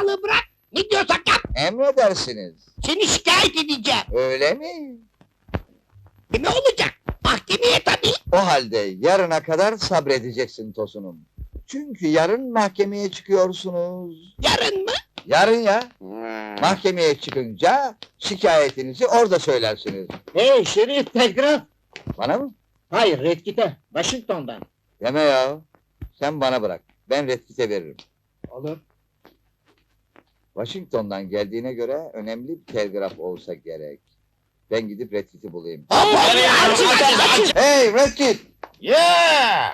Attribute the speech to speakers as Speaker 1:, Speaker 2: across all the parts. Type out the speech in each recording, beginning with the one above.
Speaker 1: saçmalığı bırak. Ne diyorsak yap.
Speaker 2: Emredersiniz.
Speaker 1: Seni şikayet edeceğim.
Speaker 2: Öyle mi?
Speaker 1: Ne olacak? Mahkemeye tabii.
Speaker 2: O halde yarına kadar sabredeceksin Tosun'um. Çünkü yarın mahkemeye çıkıyorsunuz.
Speaker 1: Yarın mı?
Speaker 2: Yarın ya. Mahkemeye çıkınca şikayetinizi orada söylersiniz.
Speaker 3: Hey Şerif, telgraf!
Speaker 2: Bana mı?
Speaker 3: Hayır, Redkit'e, Washington'dan.
Speaker 2: Deme ya. Sen bana bırak. Ben Redkit'e veririm.
Speaker 3: Olur.
Speaker 2: Washington'dan geldiğine göre önemli bir telgraf olsa gerek. Ben gidip Redkit'i bulayım.
Speaker 1: Açın.
Speaker 2: Hey Redkit!
Speaker 4: Yeah!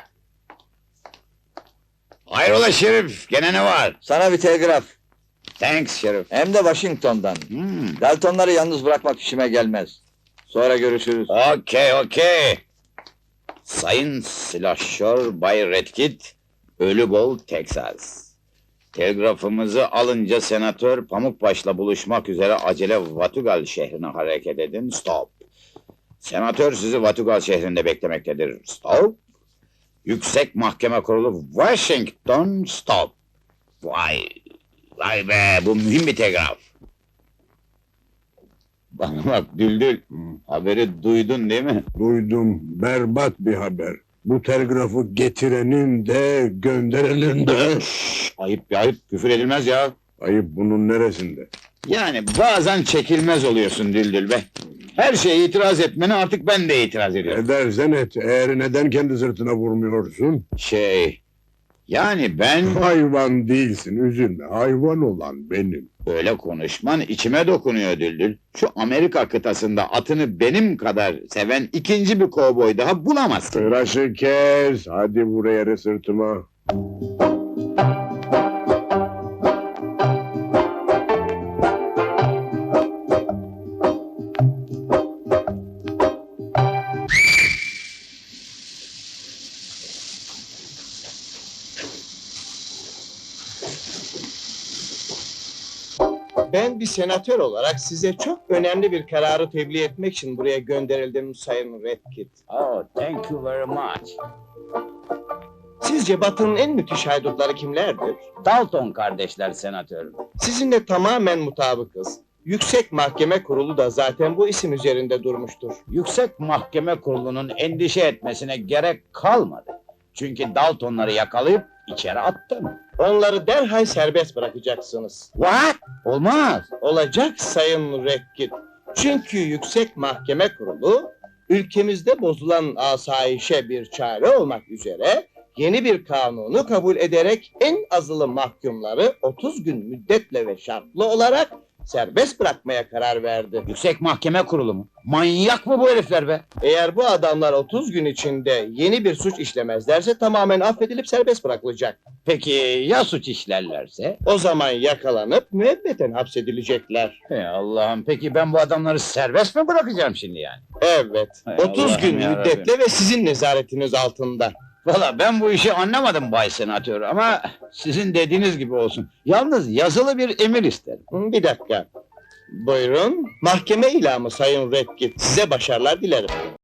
Speaker 4: Hayrola Şerif, gene ne var?
Speaker 2: Sana bir telgraf.
Speaker 4: Thanks Şerif.
Speaker 2: Hem de Washington'dan. Daltonları yalnız bırakmak işime gelmez. Sonra görüşürüz.
Speaker 4: Okey. Sayın Silahşör Bay Redkit, Ölübol, Texas. Telgrafımızı alınca senatör Pamukbaş'la buluşmak üzere acele Vatugal şehrine hareket edin. Stop. Senatör sizi Vatugal şehrinde beklemektedir. Stop. Yüksek Mahkeme Kurulu Washington. Stop. Vay be, bu mühim bir telgraf. Bana bak Düldül, haberi duydun değil mi?
Speaker 5: Duydum, berbat bir haber. Bu telgrafı getirenin de gönderenin de...
Speaker 4: Ayıp bir ayıp, küfür edilmez ya.
Speaker 5: Ayıp bunun neresinde?
Speaker 4: Yani bazen çekilmez oluyorsun Düldül be. Her şeye itiraz etmene artık ben de itiraz ediyorum.
Speaker 5: Edersen et, eğer neden kendi sırtına vurmuyorsun?
Speaker 4: Yani ben...
Speaker 5: Hayvan değilsin, üzülme. Hayvan olan benim.
Speaker 4: Böyle konuşman içime dokunuyor Düldül. Şu Amerika kıtasında atını benim kadar seven ikinci bir kovboy daha bulamazsın.
Speaker 5: Tıraşı kes, hadi vur yere sırtıma.
Speaker 6: Ben bir senatör olarak size çok önemli bir kararı tebliğ etmek için buraya gönderildim Sayın Redkit.
Speaker 4: Oh, thank you very much.
Speaker 6: Sizce Batı'nın en müthiş haydutları kimlerdir?
Speaker 4: Dalton kardeşler senatör.
Speaker 6: Sizinle tamamen mutabıkız. Yüksek Mahkeme Kurulu da zaten bu isim üzerinde durmuştur.
Speaker 4: Yüksek Mahkeme Kurulu'nun endişe etmesine gerek kalmadı. Çünkü Daltonları yakalayıp içeri attım.
Speaker 6: Onları derhal serbest bırakacaksınız.
Speaker 4: What? Olmaz.
Speaker 6: Olacak Sayın Redkit. Çünkü Yüksek Mahkeme Kurulu, ülkemizde bozulan asayişe bir çare olmak üzere yeni bir kanunu kabul ederek en azılı mahkumları 30 gün müddetle ve şartlı olarak serbest bırakmaya karar verdi.
Speaker 4: Yüksek Mahkeme Kurulu mu? Manyak mı bu herifler be?
Speaker 6: Eğer bu adamlar 30 gün içinde yeni bir suç işlemezlerse tamamen affedilip serbest bırakılacak.
Speaker 4: Peki ya suç işlerlerse?
Speaker 6: O zaman yakalanıp müebbeten hapsedilecekler.
Speaker 4: Hey Allah'ım, peki ben bu adamları serbest mi bırakacağım şimdi yani?
Speaker 6: Evet,
Speaker 4: Hay
Speaker 6: 30
Speaker 4: Allah'ım
Speaker 6: gün
Speaker 4: yarabbim.
Speaker 6: müddetle ve sizin nezaretiniz altında.
Speaker 4: Valla ben bu işi anlamadım Bay Senatör ama sizin dediğiniz gibi olsun. Yalnız yazılı bir emir isterim.
Speaker 6: Bir dakika. Buyurun, mahkeme ilamı Sayın Redkit. Size başarılar dilerim.